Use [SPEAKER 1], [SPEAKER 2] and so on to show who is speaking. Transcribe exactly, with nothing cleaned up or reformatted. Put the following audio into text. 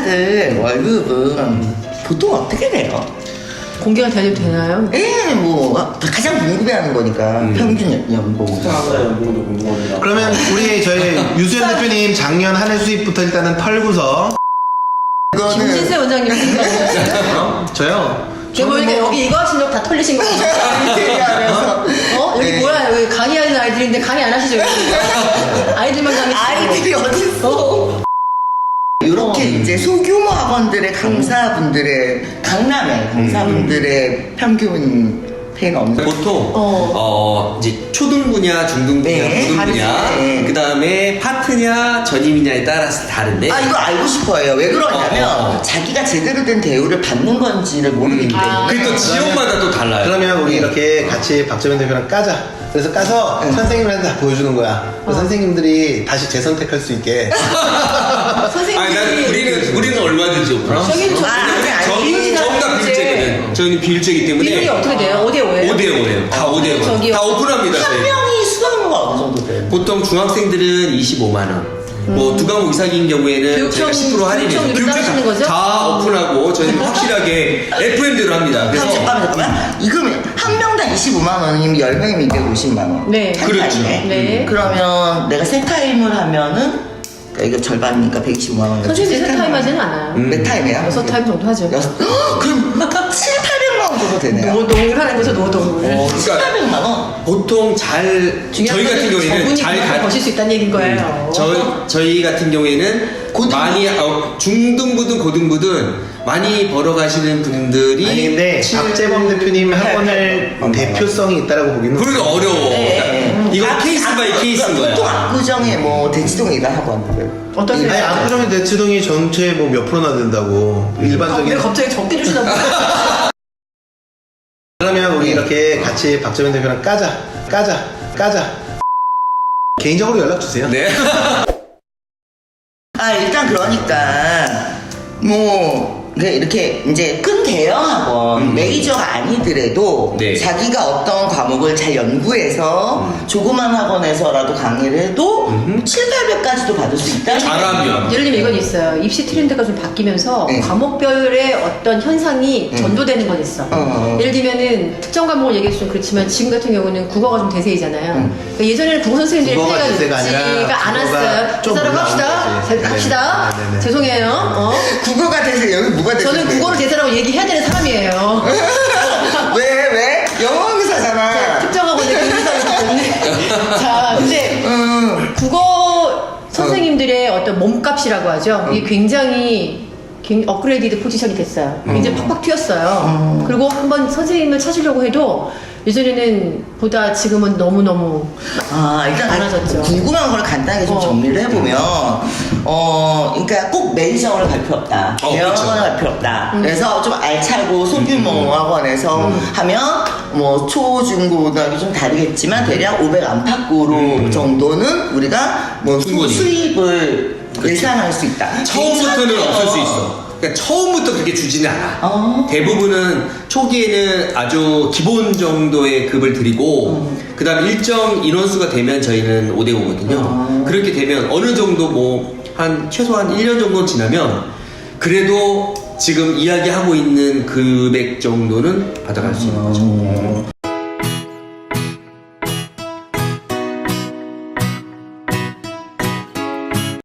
[SPEAKER 1] 강사들 월급은 보통 어떻게 돼요?
[SPEAKER 2] 공개가 되도 되나요?
[SPEAKER 1] 예, 뭐 가장 궁금해하는 거니까
[SPEAKER 3] 음.
[SPEAKER 1] 평균 연봉.
[SPEAKER 3] 강사 연봉도 궁금합니다.
[SPEAKER 4] 그러면 우리 저희 유수연 대표님 작년 한 해 수입부터 일단은 털고서
[SPEAKER 2] 김진세 원장님
[SPEAKER 4] 어? 저요?
[SPEAKER 2] 제가 보니까
[SPEAKER 4] 뭐-
[SPEAKER 2] 여기 이거 하신 적 다 털리신 거 같아요. 어? 여기
[SPEAKER 1] 네.
[SPEAKER 2] 뭐야? 여기 강의하는 아이들인데 강의 안 하시죠? 여기? 아이들만 강의
[SPEAKER 1] 아이들이 어딨어? 이렇게
[SPEAKER 2] 어.
[SPEAKER 1] 이제 소규모 학원들의 강사분들의 강남의 강사분들의 평균 페이는 없는.
[SPEAKER 5] 보통
[SPEAKER 2] 어.
[SPEAKER 5] 어, 이제 초등부냐 중등부냐
[SPEAKER 1] 네,
[SPEAKER 5] 고등부냐
[SPEAKER 1] 다르지.
[SPEAKER 5] 그 다음에 파트냐 전임이냐에 따라서 다른데
[SPEAKER 1] 아 이거 알고 싶어요. 왜 그러냐면
[SPEAKER 5] 어, 어, 어.
[SPEAKER 1] 자기가 제대로 된 대우를 받는 건지를 모르기 때문에.
[SPEAKER 2] 아.
[SPEAKER 5] 그게 또 지역마다 또 달라요.
[SPEAKER 4] 그러면 우리 이렇게 같이 박재민 대표랑 까자. 그래서 까서
[SPEAKER 1] 응.
[SPEAKER 4] 선생님한테 다 보여주는 거야. 그래서 선생님들이 다시 재선택할 수 있게.
[SPEAKER 5] 아니,
[SPEAKER 2] 선생님들이
[SPEAKER 5] 난 우리는 우리는 얼마든지 오픈.
[SPEAKER 2] 저기는 저
[SPEAKER 1] 아, 아니, 아니.
[SPEAKER 2] 비율이
[SPEAKER 5] 전부 다
[SPEAKER 2] 다른데.
[SPEAKER 5] 비일제거든. 저희는 비일제이기 때문에
[SPEAKER 2] 비율이 어떻게 돼요? 오 대 오예요?
[SPEAKER 5] 오 대 오예요. 다 오 대 오.
[SPEAKER 2] 저기요.
[SPEAKER 5] 다 오픈합니다.
[SPEAKER 1] 한
[SPEAKER 5] 저희.
[SPEAKER 1] 명이 수강료가 어느 정도 돼요?
[SPEAKER 5] 보통 중학생들은 이십오만 원. 뭐 두 과목 이상인 경우에는
[SPEAKER 2] 교육청-
[SPEAKER 5] 저희가 십 퍼센트 할인해서
[SPEAKER 2] 교육청으로 따르시는 거죠?
[SPEAKER 5] 다 오픈하고 저희는 확실하게 에프엠대로 합니다. 그래서
[SPEAKER 1] 그럼 잠깐만 잠깐만. 이거면 한 명당 이십오만 원이면 열 명이면 이백오십만 원.
[SPEAKER 2] 네.
[SPEAKER 1] 한
[SPEAKER 5] 그렇죠.
[SPEAKER 1] 타임에.
[SPEAKER 2] 네.
[SPEAKER 1] 그러면 내가 세 타임을 하면은 그러니까 이거 절반이니까 백이십오만 원.
[SPEAKER 2] 선생님이 세 타임 하지는 않아요.
[SPEAKER 5] 음.
[SPEAKER 1] 몇 타임이야?
[SPEAKER 2] 여섯 타임 정도 하죠.
[SPEAKER 1] 여섯. 헉, 그럼 칠팔백만 원 정도 되네요.
[SPEAKER 2] 노동을 하는 거죠, 노동을.
[SPEAKER 1] 어,
[SPEAKER 5] 그러니까
[SPEAKER 1] 칠팔백만 원.
[SPEAKER 5] 보통 잘 저희
[SPEAKER 2] 중요한
[SPEAKER 5] 같은
[SPEAKER 2] 건
[SPEAKER 5] 경우에는
[SPEAKER 2] 저분이
[SPEAKER 5] 잘
[SPEAKER 2] 그만큼
[SPEAKER 5] 가,
[SPEAKER 2] 버실 수 있다는 얘기인 거예요.
[SPEAKER 5] 저희 저희 같은 경우에는
[SPEAKER 1] 고등부?
[SPEAKER 5] 많이 어, 중등부든 고등부든 많이 벌어가시는 분들이
[SPEAKER 4] 아니 근데
[SPEAKER 5] 칠-
[SPEAKER 4] 박재범 대표님 학원을
[SPEAKER 1] 음.
[SPEAKER 4] 대표성이 있다라고 보기는
[SPEAKER 5] 그러기 어려워.
[SPEAKER 1] 네.
[SPEAKER 5] 이거
[SPEAKER 1] 아,
[SPEAKER 5] 케이스 바이
[SPEAKER 1] 아,
[SPEAKER 5] 케이스인
[SPEAKER 1] 보통
[SPEAKER 5] 거야.
[SPEAKER 1] 압구정에 뭐 대치동에 일하는 학원들.
[SPEAKER 2] 어떠세요?
[SPEAKER 4] 아니 압구정의 대치동이 전체 뭐 몇 프로나 된다고
[SPEAKER 2] 아, 왜
[SPEAKER 4] 일반적인.
[SPEAKER 2] 갑자기 적게 주시나 보다.
[SPEAKER 4] 그러면 우리 이렇게 같이 박재민 대표랑 까자. 까자. 까자. 개인적으로 연락 주세요.
[SPEAKER 5] 네.
[SPEAKER 1] 아 일단 그러니까 뭐 이렇게 이제 큰 대형 학원
[SPEAKER 5] 음.
[SPEAKER 1] 메이저가 아니더라도
[SPEAKER 5] 네.
[SPEAKER 1] 자기가 어떤 과목을 잘 연구해서
[SPEAKER 5] 음.
[SPEAKER 1] 조그만 학원에서라도 강의를 해도
[SPEAKER 5] 음흠.
[SPEAKER 1] 칠팔백까지도 받을 수 있다.
[SPEAKER 5] 잘하면.
[SPEAKER 2] 예를 들면 이건 있어요. 입시 트렌드가 좀 바뀌면서
[SPEAKER 1] 네.
[SPEAKER 2] 과목별의 어떤 현상이
[SPEAKER 1] 음.
[SPEAKER 2] 전도되는 건 있어.
[SPEAKER 1] 어.
[SPEAKER 2] 예를 들면은 특정 과목을 얘기해서 좀 그렇지만 지금 같은 경우는 국어가 좀 대세이잖아요.
[SPEAKER 1] 음.
[SPEAKER 2] 그러니까 예전에는 국어 선생님들이
[SPEAKER 4] 국어가
[SPEAKER 2] 때가
[SPEAKER 4] 대세가 아니라
[SPEAKER 2] 늦지가 않았어요.
[SPEAKER 4] 국어가 좀
[SPEAKER 2] 그 사람
[SPEAKER 4] 올라온
[SPEAKER 2] 합시다.
[SPEAKER 4] 거지.
[SPEAKER 2] 자,
[SPEAKER 4] 네네.
[SPEAKER 2] 합시다.
[SPEAKER 4] 네네네.
[SPEAKER 2] 죄송해요. 어?
[SPEAKER 1] 국어가 대세 여기 뭐가 대세?
[SPEAKER 2] 저는 국어를 대세라고 얘기해야 되는 사람이에요.
[SPEAKER 1] 왜 왜? 영어 강사잖아.
[SPEAKER 2] 특정 학원의 교사이기 때문에. 자, 근데
[SPEAKER 1] 음.
[SPEAKER 2] 국어 선생님들의 어떤 몸값이라고 하죠. 이게 굉장히 굉- 업그레이디드 포지션이 됐어요. 굉장히 팍팍 튀었어요.
[SPEAKER 1] 음.
[SPEAKER 2] 그리고 한번 선생님을 찾으려고 해도 예전에는 보다 지금은 너무너무
[SPEAKER 1] 아 일단
[SPEAKER 2] 많아졌죠.
[SPEAKER 1] 궁금한 걸 간단하게 좀
[SPEAKER 2] 어.
[SPEAKER 1] 정리를 해보면 어 그러니까 꼭 메이저학원을 갈 필요 없다.
[SPEAKER 5] 어,
[SPEAKER 1] 대형
[SPEAKER 5] 그렇죠.
[SPEAKER 1] 학원을 갈 필요 없다.
[SPEAKER 2] 음.
[SPEAKER 1] 그래서 좀 알차고 소규모 학원에서 하면 뭐 초, 중, 고, 고등학교 좀 다르겠지만 대략 오백 안팎으로
[SPEAKER 5] 음.
[SPEAKER 1] 정도는 우리가 뭐 수-
[SPEAKER 5] 충분히.
[SPEAKER 1] 수입을 예상할 수 있다.
[SPEAKER 5] 처음부터는
[SPEAKER 1] 괜찮네요.
[SPEAKER 5] 없을 수 있어. 그러니까 처음부터 그렇게 주지는 않아.
[SPEAKER 1] 어.
[SPEAKER 5] 대부분은 초기에는 아주 기본 정도의 급을 드리고 그 다음 일정 인원수가 되면 저희는 오 대 오거든요.
[SPEAKER 1] 어.
[SPEAKER 5] 그렇게 되면 어느 정도 뭐 한 최소한 일 년 정도 지나면 그래도 지금 이야기하고 있는 금액 정도는 받아갈 수 있는 거죠.